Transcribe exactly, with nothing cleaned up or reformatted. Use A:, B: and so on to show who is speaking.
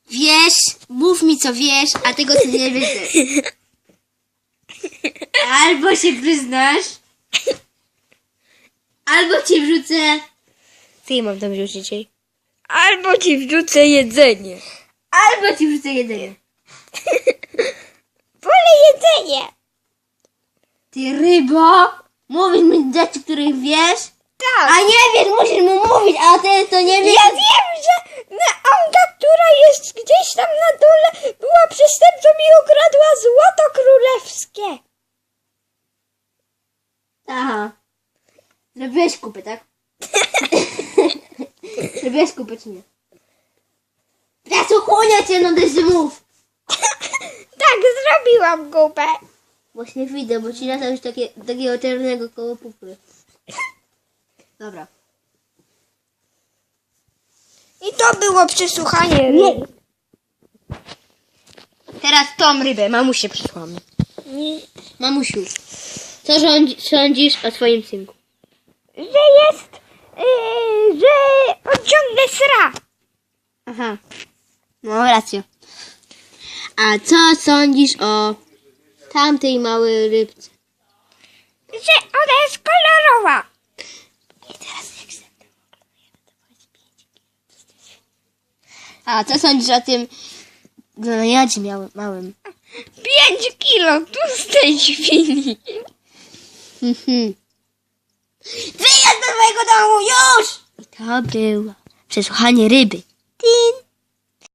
A: Wiesz, mów mi co wiesz, a tego co nie wiesz. Albo się przyznasz, albo cię wrzucę.
B: Co ja mam tam wrzucić dzisiaj? Albo ci wrzucę jedzenie.
A: Albo ci wrzucę jedzenie.
B: Wolę jedzenie.
A: Ty rybo, mówisz mi rzeczy, których wiesz,
B: Tak.
A: a nie wiesz, musisz mu mówić, a ty to nie wiesz.
B: Ja wiem, że Anga, która jest gdzieś tam na dole, była przestępcą i ukradła złoto królewskie.
A: Aha. Zrobiłeś kupę, tak? Zrobiłeś kupę, czy nie? Zasłuchuję cię, no też mów.
B: Tak, zrobiłam kupę.
A: Właśnie widzę, bo ci latał już takie, takiego czerwonego koło pupy. Dobra.
B: I to było przesłuchanie ryby.
A: Teraz tą rybę, mamusię przysłamy.
B: Nie.
A: Mamusiu, co rządzi, sądzisz o swoim synku?
B: Że jest, yy, że on ciągle sra.
A: Aha. No, rację. A co sądzisz o tamtej małej rybce?
B: Że ona jest kolorowa.
A: I teraz jak się A co sądzisz o tym gloniadzie małym?
B: Pięć kilo tłustej świni.
A: Mhm. Wyjazd do twojego domu, już! I to było przesłuchanie ryby. Tin.